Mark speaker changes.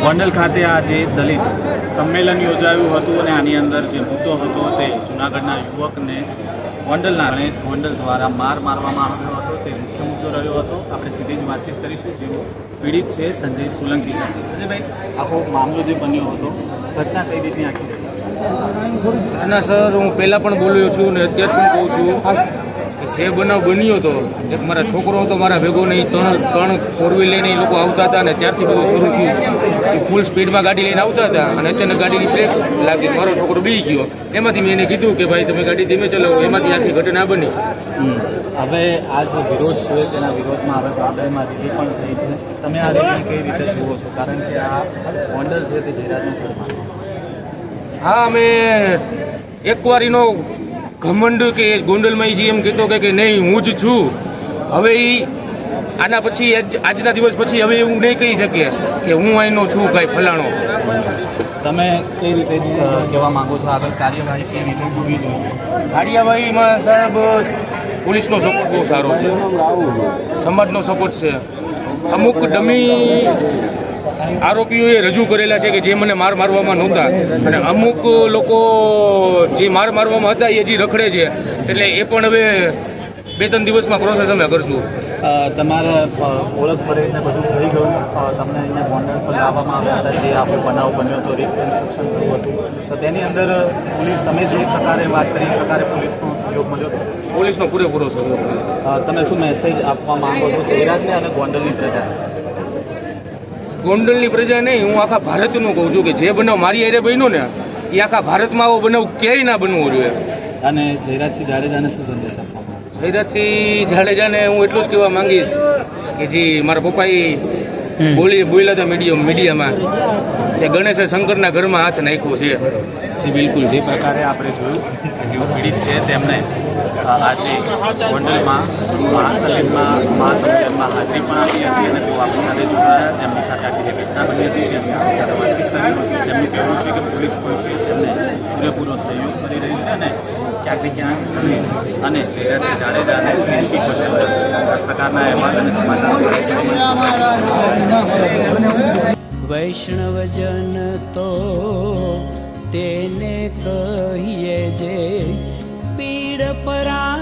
Speaker 1: ગોંડલ ખાતે આજે દલિત સંમેલન યોજાયું હતું અને આની અંદર જે મુદ્દો હતો તે જૂનાગઢના યુવકને ગોંડલના ગણેશ ગોંડલ દ્વારા મારવામાં આવ્યો હતો તે મુખ્ય મુદ્દો રહ્યો હતો. આપણે સીધી જ વાતચીત કરીશું. જેઓ પીડિત છે સંજય સોલંકી સાથે. સંજયભાઈ, આખો મામલો જે બન્યો હતો, ઘટના કઈ રીતની આખી
Speaker 2: ઘટના? સર, હું પહેલાં પણ બોલ્યો છું અને અત્યારે પણ કહું છું કે જે બનાવ બન્યો હતો, એક મારા છોકરો હતો મારા ભેગો નહીં, ત્રણ ફોર વ્હીલ લઈને એ લોકો આવતા હતા અને ત્યારથી બધું શરૂ થયું. એ ફૂલ સ્પીડમાં ગાડી લઈને આવતા હતા અને અચાનક ગાડીની બ્રેક લાગી, મારો છોકરો બી ગયો. એમાંથી મેં એને કીધું કે ભાઈ તમે ગાડી ધીમે ચલાવો. એમાંથી આખી ઘટના બની.
Speaker 1: હવે આ જે વિરોધ છે તેના વિરોધમાં હવે ગોંડલમાં રેલી પણ થઈ છે. તમે આ રેલી કઈ રીતે જુઓ છો? કારણ કે આ ગોંડલ છે તે જયરાજનું ઘરમાં.
Speaker 2: હા, અમે એકવાર એનો ઘમંડ કે ગોંડલમાં જે એમ કહેતો કે નહીં હું જ છું, હવે એ આના પછી આજના દિવસ પછી હવે એવું નહીં કહી શકીએ કે હું અહીંનો છું કાંઈ ફલાણો.
Speaker 1: તમે કઈ રીતે કહેવા માંગો છો? આગળ કાર્યવાહી કેવી રીતે હોવી જોઈએ?
Speaker 2: કાર્યવાહીમાં સાહેબ પોલીસનો સપોર્ટ બહુ સારો છે, સમાજનો સપોર્ટ છે. અમુક ડમી આરોપીઓએ રજૂ કરેલા છે કે જે મને મારવામાં નહોતા, અને અમુક લોકો જે મારવામાં હતા એ હજી રખડે છે. એટલે એ પણ હવે 2-3 દિવસમાં પ્રોસેસ અમે કરશું.
Speaker 1: તમારા ઓળખ પરેડને બધું થઈ ગયું, તમને અહીંયા ગોંડલ પર લાવવામાં આવ્યા હતા, જે આપણો બનાવ બન્યો હતો, રેપ કન્સ્ટ્રક્શન થયું હતું, તો તેની અંદર પોલીસ, તમે જે પ્રકારે વાત કરી એ પ્રકારે પોલીસનો સહયોગ મળ્યો હતો?
Speaker 2: પોલીસનો પૂરેપૂરો સહયોગ.
Speaker 1: તમે શું મેસેજ આપવા માંગો છો જયરાજને અને ગોંડલની પ્રજા?
Speaker 2: ગોંડલની પ્રજા નહીં, હું આખા ભારતનું કહું છું કે જે બનાવ મારી હારે બન્યો ને એ આખા ભારતમાં આવો બનાવ ક્યાંય ના બનવો જોઈએ.
Speaker 1: અને જયરાજસિંહ જાડેજાને શું સંદેશ આપવા?
Speaker 2: જયરાજસિંહ જાડેજાને હું એટલું જ કહેવા માંગીશ કે જે મારા પપ્પાએ બોલ્યા હતા મીડિયામાં કે ગણેશે શંકરના ઘરમાં હાથ નાખ્યો છે.
Speaker 1: જી બિલકુલ, જે પ્રકારે આપણે જોયું કે જેઓ પીડિત છે તેમને આજે ગોંડલમાં મહાસંમેલનમાં હાજરી પણ આપી હતી અને તેઓ આપણી સાથે જોડાયા. તેમની સાથે આખી જે ઘટના બની હતી તેમની આપણી સાથે વાતચીત કરી. તેમનું કહેવું છે કે પોલીસ પણ છે તેમને પૂરેપૂરો સહયોગ કરી રહી છે અને ક્યાંક ને ક્યાંક ગણેશ અને જયરાજસિંહ જાડેજાને જિંદગી પર આ પ્રકારના અહેવાલ અને સમાચારો.
Speaker 3: વૈષ્ણવજન તો તેને કહીએ જે પીડ પરા